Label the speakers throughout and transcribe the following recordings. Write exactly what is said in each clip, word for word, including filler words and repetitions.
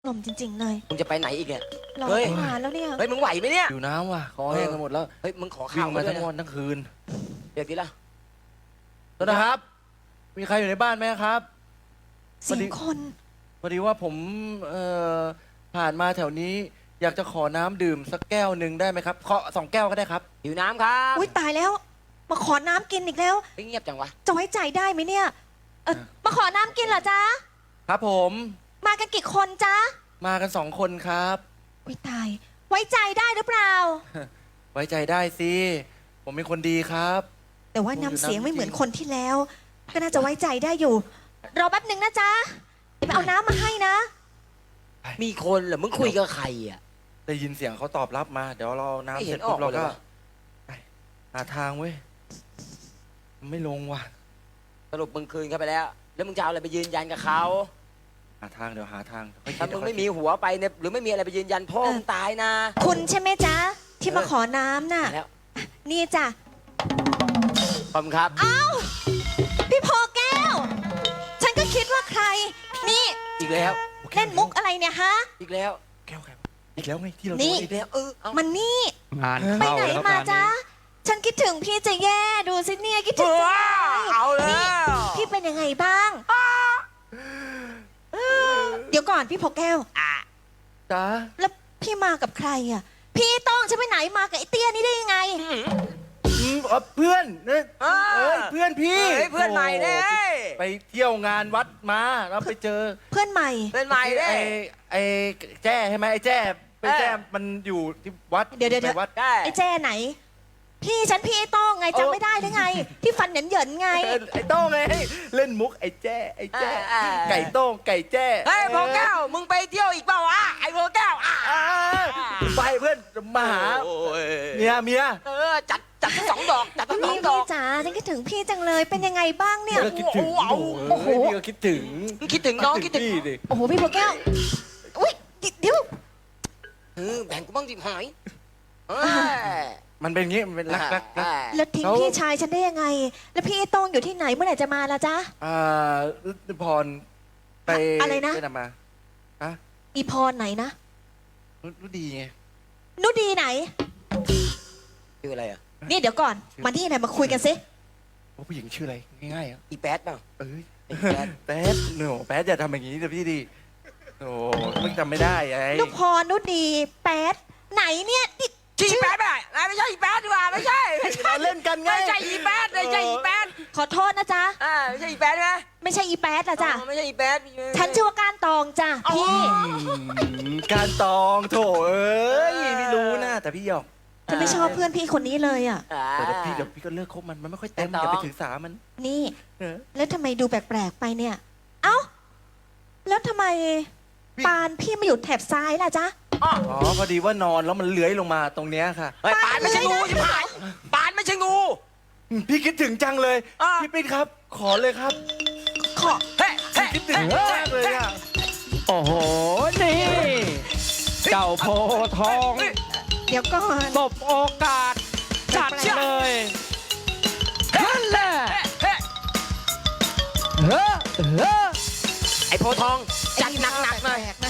Speaker 1: ลมจริงๆเลย
Speaker 2: มึงจะไปไหนอีกเนี่ย
Speaker 1: รอ
Speaker 2: เฮ้ย
Speaker 1: ตั้งนานแล้วเนี่ย
Speaker 2: เฮ้ยมึงไหวไหมเนี่ย
Speaker 3: อยู่น้ำว่ะคอแห้งกันหมดแล้ว
Speaker 2: เฮ้ยมึงขอ
Speaker 3: วิ่
Speaker 2: ข้าว
Speaker 3: ง
Speaker 2: มา
Speaker 3: มา
Speaker 2: ด้วย
Speaker 3: ทั้ง
Speaker 2: นะ
Speaker 3: วันทั้งคืน
Speaker 2: เดี๋ยวทีละ
Speaker 3: ต้นนะครับ มีใครอยู่ในบ้านไหมครับ
Speaker 1: เสียงคน
Speaker 3: พอดีว่าผมเอ่อผ่านมาแถวนี้ อยากจะขอน้ำดื่มสักแก้วหนึ่งได้ไหมครับขอสองแก้วก็ได้ครับ
Speaker 2: หิวน้ำครับ
Speaker 1: อุ้ยตายแล้ว มาขอน้ำกินอีกแล้ว
Speaker 2: เฮ้ยเงียบจังวะ
Speaker 1: จะไว้ใจได้ไหมเนี่ยเออมาขอน้ำกินเหรอจ๊ะ
Speaker 3: ครับผม
Speaker 1: มากันกี่คนจ๊ะ
Speaker 3: มากันสองคนครับ
Speaker 1: อุ้ยตาย ไว้ใจได้หรือเปล่า
Speaker 3: ไว้ใจได้สิผมเป็นคนดีครับ
Speaker 1: แต่ว่าน้ำเสียงไม่เหมือนคนที่แล้ว ก็น่าจะไว้ใจได้อยู่ รอแป๊บหนึ่งนะจ๊ะเดี๋ยวไปเอาน้ำมาให้นะ
Speaker 2: มีคนเหรอมึงคุยกับใครอ่ะ
Speaker 3: ได้ยินเสียงเขาตอบรับมา เดี๋ยวเรา
Speaker 2: ไม่
Speaker 3: น้ำ
Speaker 2: เห็
Speaker 3: เสร็
Speaker 2: น
Speaker 3: จปุ๊บ
Speaker 2: อ
Speaker 3: เรา
Speaker 2: อกเลย
Speaker 3: ก็
Speaker 2: ว่ะ
Speaker 3: ไปหาทางเว้ยมันไม่ลงว่ะ
Speaker 2: สรุปมึงคืนเขาไปแล้ว แล้วมึงจะเอาอะไรไปยืนยันกับเขา
Speaker 3: หาทางเดี๋ยวหาทางค่อยคิ
Speaker 2: ถ้า
Speaker 3: ด
Speaker 2: มึง
Speaker 3: ค่อย
Speaker 2: ไม่
Speaker 3: คิด
Speaker 2: มีหัวไปเนี่ยหรือไม่มีอะไรไปยืนยันพ่อ
Speaker 1: เออ
Speaker 2: มึงตายนะ
Speaker 1: คุณใช่ไหมจ๊ะ ที่มาขอน้ำน่ะ
Speaker 2: แล้ว
Speaker 1: นี่จ้ะ
Speaker 2: ขอบคุณครับ
Speaker 1: เอ้า พี่พอแก้ว ฉันก็คิดว่าใคร นี่
Speaker 2: อีกแล้ว
Speaker 1: เล่นมุกอะไรเนี่ยฮะ
Speaker 2: อีกแล้ว
Speaker 3: แก้วแก้วอีกแล้วไงที่เรา
Speaker 1: นี่
Speaker 3: โดน
Speaker 2: อี
Speaker 3: อี
Speaker 2: ก
Speaker 3: ก
Speaker 2: แล้วเออเอา
Speaker 1: มันนี่
Speaker 4: งาน
Speaker 1: ไป
Speaker 4: เข้า
Speaker 1: ไหน
Speaker 4: แล้ว
Speaker 1: มาง
Speaker 4: าน
Speaker 1: จ๊ะ
Speaker 4: นี้
Speaker 1: ฉันคิดถึงพี่จะแย่ดูสิเนี่ยคิดถึง
Speaker 2: ว้าเอาแล้
Speaker 1: นี่
Speaker 2: ว
Speaker 1: พี่เป็นยังไงบ้าง เดี๋ยวก่อนพี่พอแก้ว
Speaker 3: จ้า
Speaker 1: แล้วพี่มากับใครอ่ะ พี่ต้องฉันไปไหนมากับไอ้เตี้ยนี่ได้ยังไง
Speaker 3: อืมอ๋อเพื่อนเนี่ย
Speaker 2: เออ
Speaker 3: เอ้ยเพื่อนพี่
Speaker 2: เฮ้ยเพื่อนใหม่เนี่ย
Speaker 3: โอ้ไปเที่ยวงานวัดมาแล้วไปเจอ
Speaker 1: เพื่อนใหม่
Speaker 2: เพื่อนใหม่เนี่ย
Speaker 3: ไอ้ไอ้แจ้ใช่ไหมไอ้แจ้ไป
Speaker 2: เออ
Speaker 3: แจ้มันอยู่ที่วัด
Speaker 1: เดี๋ยวเดี๋ยว
Speaker 3: ไปวัด
Speaker 2: ได้
Speaker 1: ไอ้แจ้ไหน พี่ฉันพี่ไอ้ต้องไงจำไม่ได้หรือไง ที่ฟันเหยินเหยินๆไง
Speaker 3: เออไอ้โต้งไงเล่นมุกไอ้แจ้ไอ้แจ้
Speaker 2: อ่าอ่า
Speaker 3: ไก่โต้งไก่แจ้
Speaker 2: เฮ้ยพอแก้วมึงไปเที่ยวอีกเปล่าวะไอ้พอแก้วอ่ะ
Speaker 3: อ่าไปเพื่อนมาหา
Speaker 2: โอ้ย
Speaker 3: เมียเมีย
Speaker 2: เออจัดจัดทั้งสองดอกจัดทั้งสอ
Speaker 1: พี่
Speaker 2: งดอ
Speaker 1: พี่
Speaker 2: ก
Speaker 1: จ๋าฉันคิดถึงพี่จังเลยเป็นยังไงบ้างเนี่ย
Speaker 3: ก็คิดถึง
Speaker 2: โอ้โห
Speaker 3: โอ้โหพี่ก็คิดถึง
Speaker 2: มึงคิดถึงน้องคิดถึง
Speaker 3: พี่ดิ
Speaker 1: โอ้โหพี่พอแก้วอุ้ยเดี๋ยว
Speaker 2: เออแบ่งกูบ้างดิหายเออ
Speaker 3: มันเป็นอย่างงี้มันเป็นรักรักรัก
Speaker 1: แล้วทิ้ง
Speaker 3: เขา
Speaker 1: พี่ชายฉันได้ยังไง แล้วพี่ไอ้ต้องอยู่ที่ไหนเมื่อไหร่จะมาล่ะจ๊ะ
Speaker 3: อ่าฤทธิพรไป
Speaker 1: อะไรนะ
Speaker 3: ไปนำมาอะ
Speaker 1: อีพรไหนนะ
Speaker 3: รู้รู้ดีไง
Speaker 1: นุดีไหน
Speaker 2: ชื่ออะไรอ่ะ
Speaker 1: นี่เดี๋ยวก่อน มาที่ไหนมาคุยกันสิ
Speaker 3: ว่าผู้หญิงชื่ออะไรง่ายๆอ่ะ
Speaker 2: อีแป๊ดเปล่า
Speaker 3: เอ้ย
Speaker 2: ไอ้แป๊ด
Speaker 3: แป๊ดหนูแป๊ดอย่าทำอย่างนี้เลยพี่ดิโอ้มึงจำไม่ได้ไง
Speaker 1: นุพรนุดีแป๊ดไหนเนี่ยนี่
Speaker 2: ชื่ออีแป๊ดไม่ได้ไม่ใช่อีแป๊ดดีกว่าไม่ใช่ไม่ใช่
Speaker 3: เราเล่นกันไง
Speaker 2: ไม่ใช่อีแป๊ดไม่ใช่อีแป๊ด
Speaker 1: ขอโทษนะจ๊ะ
Speaker 2: อ่าไม่ใช่อีแป๊ดไหม
Speaker 1: ไม่ใช่อีแป๊ดละจ้ะ
Speaker 2: อ๋อไม่ใช่อีแป๊ด
Speaker 1: ฉันชื่อว่าการตองจ้ะพี่
Speaker 3: อืมการตองโถเอ้ยไม่รู้นะแต่พี่หยอก
Speaker 1: ฉันไม่ชอบเพื่อนพี่คนนี้เลยอ่ะ
Speaker 2: อ่า
Speaker 3: แต่เดี๋ยวพี่เดี๋ยวพี่ก็เลิกคบมันมันไม่ค่อยเต็ม
Speaker 2: แต่ตอง
Speaker 3: อย่าไปถือสามัน
Speaker 1: นี่
Speaker 3: เออ
Speaker 1: แล้วทำไมดูแปลกๆไปเนี่ย เอ้า แล้วทำไม
Speaker 3: พี่
Speaker 1: ปานพี่มาอยู่แถบซ้ายล่ะจ๊ะ
Speaker 2: อ๋อ
Speaker 3: อ๋อพอดีว่านอนแล้วมันเลื้อยลงมาตรงเนี้ยค่ะ
Speaker 2: เฮ้ยปานไม่ใช่งูใช่ไหมปานไม่ใช่งู
Speaker 3: อืมพี่คิดถึงจังเลย
Speaker 2: อ่ะ
Speaker 3: พี่ปิ๊นครับ ขอเลยครับ
Speaker 1: ขอ
Speaker 2: เฮ้ยเฮ้ย
Speaker 3: คิดถึงมากเลยอ่ะ
Speaker 4: โอ้โห นี่ เจ้าโพธิ์ทอง
Speaker 1: เดี๋ยวก่อน
Speaker 4: ตบโอกาส จัดเลยนั่นแหละ
Speaker 2: เฮ้ย
Speaker 4: เฮ้อเฮ้อ
Speaker 2: ไอ้โพธิ์ทองจัดหนักๆหน่อย
Speaker 1: แปลกๆนะ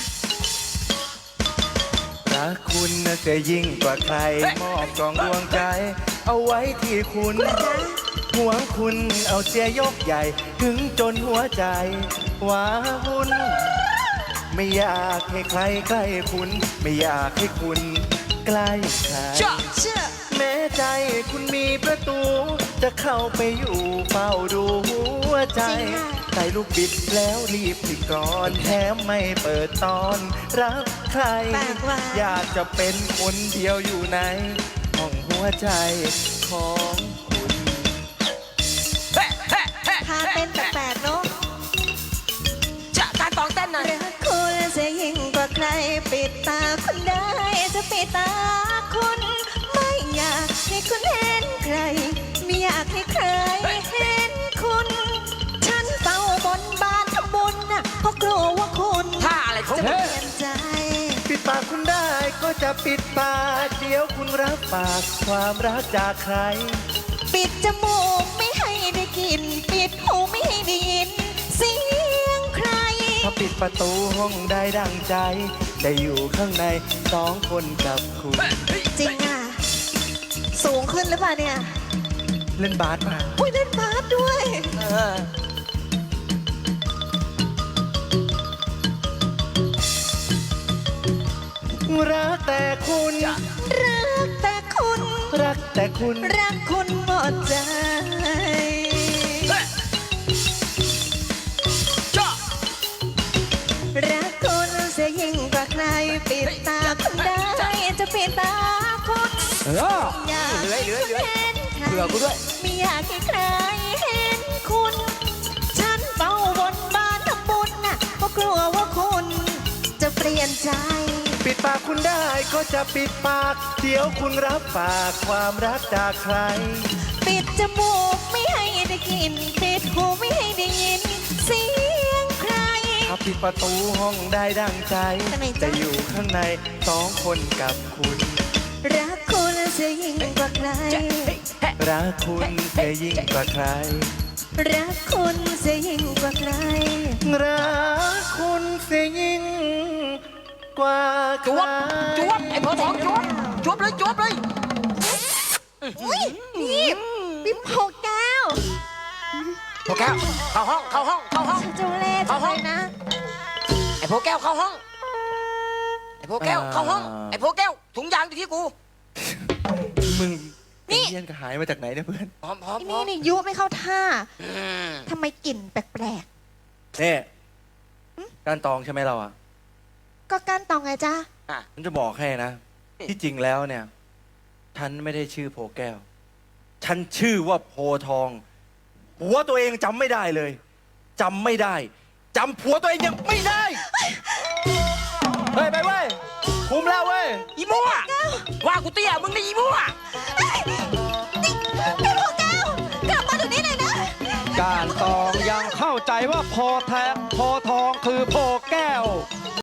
Speaker 3: รักคุณน่ะจะยิ่งกว่าใคร
Speaker 2: เฮ้ย
Speaker 3: มอบกองดวงใจ เอาไว้ที่คุณห่วงคุณเอาเสียยกใหญ่ ถึงจนหัวใจว้าวุ่นไม่อยากให้ใครใกล้คุณ ไม่อยากให้คุณใกล้ใคร
Speaker 2: เชื่อ
Speaker 1: เชื่อ
Speaker 3: แม้ใจคุณมีประตู จะเข้าไปอยู่เฝ้าดูหัวใจ
Speaker 1: จริงค่ะ
Speaker 3: ใส่ลูกบิดแล้วรีบปิดก่อนแถมไม่เปิดตอนรับใคร
Speaker 1: แปลกว่ะ
Speaker 3: อยากจะเป็นคนเดียวอยู่ในห้องหัวใจของคุณ
Speaker 2: เฮ้ยเฮ้ยเฮ้ย
Speaker 1: ท่าเต้นแปลกๆเนาะ
Speaker 2: จะการตองเต้นหน่อย
Speaker 1: รักคุณจะยิ่งกว่าใคร ปิดตาคุณได้จะปิดตาคุณ ไม่อยากให้คุณเห็นใคร ไม่อยากให้ใครเห็นคุณ ฉันเฝ้าบนบานทำบุญน่ะเพราะกลัวว่าคุณ
Speaker 2: ท่าอะไรของ
Speaker 1: จะ
Speaker 2: มึ
Speaker 1: เป
Speaker 2: ง
Speaker 1: ลี่ยนใจ
Speaker 3: ปิดปากคุณได้ก็จะปิดปากเดี๋ยวคุณรับปากความรักจากใคร
Speaker 1: ปิดจมูกไม่ให้ได้กลิน ปิดหูไม่ให้ได้ยิน เสียงใคร
Speaker 3: พถ้าปิดประตูห้องได้ดังใจ ได้อยู่ข้างในสองคนกับคุณ
Speaker 1: จริงอ่ะ สูงขึ้นหรือเปล่าเนี่ย
Speaker 3: เล่นบาสมา
Speaker 1: อุ้ยเล่นบาสด้วย
Speaker 2: เออ
Speaker 3: รักแต่คุณ
Speaker 1: รักแต่คุณ
Speaker 3: รักแต่คุณ
Speaker 1: รักคุณหมดใจ
Speaker 4: จ้า
Speaker 1: รักคุณเสียยิ่งกว่าใคร ปิดตาคุณได้จะปิดตาคุณ
Speaker 4: เออ
Speaker 1: อยาก
Speaker 2: เหลือเหลือเหลือ
Speaker 1: เห็นใคร
Speaker 2: เผื่อกูด้วย
Speaker 1: ไม่อยากให้ใครเห็นคุณ ฉันเฝ้าบนบานทำบุญน่ะเพราะกลัวว่าคุณจะเปลี่ยนใจ
Speaker 3: ปิดปากคุณได้ก็จะปิดปาก เดี๋ยวคุณรับฝากความรักจากใคร
Speaker 1: ปิดจมูกไม่ให้ได้กลินปิดหูไม่ให้ได้ยิน เสียงใคร
Speaker 3: ถ้าปิดประตูห้องได้ดังใจ
Speaker 1: ทำไมจ๊ะ
Speaker 3: จะอยู่ข้างในสองคนกับคุณ
Speaker 1: รักคุณเสียยิ่งกว่าใคร
Speaker 3: รักคุณเสียยิ่งกว่าใคร
Speaker 1: รักคุณเสียยิ่งกว่าใคร
Speaker 3: รักคุณเสียยิ่งกว่าใค
Speaker 2: จ
Speaker 3: ร
Speaker 2: วบจวบไอ้พอทองจวบจวบเลยจวบเลย
Speaker 1: อุ้ยนี่พี่โพแก้ว
Speaker 2: พอแก้วเข้าห้องเข้าห้องเข้าห้อง
Speaker 1: ฉันจะเล่จังเลยนะ
Speaker 2: ไอ้พอแก้วเข้าห้องไอ้พอแก้วเข้าห้องไอ้พอแก้วถุงยางอยู่ที่กู
Speaker 3: มึง
Speaker 1: นี่
Speaker 3: เยี่ยนก็หายมาจากไหนเนี่ยเพื่อน
Speaker 2: พร้อมพร้อม
Speaker 1: ไอ้
Speaker 2: พร้อ
Speaker 1: นี่
Speaker 2: ม
Speaker 1: นี่ยุไม่เข้าท่า
Speaker 2: อืม
Speaker 1: ทำไมกลิ่นแปลก
Speaker 3: เนี่ยการตองใช่ไหมเราอ่ะ
Speaker 1: ๆ ก็ก้านตองไงจ้า
Speaker 2: อ่ะ
Speaker 3: ฉันจะบอกให้นะ ที่จริงแล้วเนี่ย ฉันไม่ได้ชื่อโพแก้ว ฉันชื่อว่าโพทอง ผัวตัวเองจำไม่ได้เลยจำไม่ได้จำผัวตัวเองยังไม่ได้ เฮ้ย ไปเว้ยคุมแล้วเว้ย
Speaker 2: อีมั่วว่ากูเตี้ยมึงนี่อีมั่ว
Speaker 1: นี่พี่โพแก้ว กลับมาเดี๋ยวนี้เลยนะ
Speaker 4: การตองยังเข้าใจว่าโพแทโพทองคือโพแก้ว